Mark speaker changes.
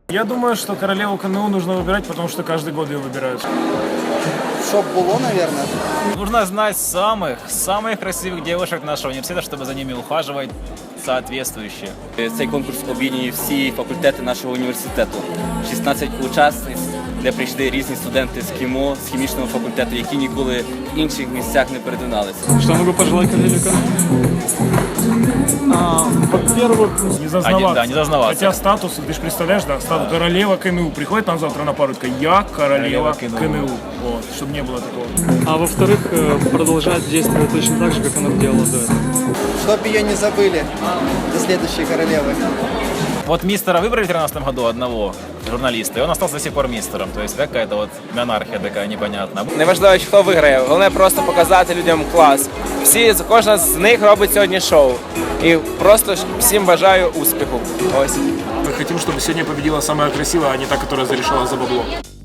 Speaker 1: Я думаю, что королеву КНУ нужно выбирать, потому что каждый год ее выбирают.
Speaker 2: Чтоб было, наверное.
Speaker 3: Нужно знать самых красивых девушек нашего университета, чтобы за ними ухаживать соответствующе.
Speaker 4: Цей конкурс об'єднує всі факультети нашого університету. 16 учасниць, де прийшли різні студенти з КІМО, з хімічного факультету, які ніколи в інших місцях не перетиналися.
Speaker 5: Что могу пожелать королеве?
Speaker 1: Во-первых, не зазнаваться.
Speaker 3: Да, не зазнаваться.
Speaker 1: Хотя статус, ты же представляешь, да, статус королева КНУ. Приходит нам завтра на пару, такая, я королева КНУ. Вот, чтобы не было такого.
Speaker 5: А во-вторых, продолжать действовать точно так же, как она делала до этого.
Speaker 2: Чтоб ее не забыли до следующей королевы.
Speaker 3: Вот мистера выбрали в 2013 году одного журналиста, и он остался до сих пор мистером. То есть какая-то вот монархия такая непонятная.
Speaker 6: Неважливо, хто виграє, головне просто показати людям клас. Кожна з них робить сьогодні шоу. І просто всім бажаю успіху. Ось.
Speaker 1: Мы хотим, чтобы сегодня победила самая красивая, а не та, которая зарешала за бабло.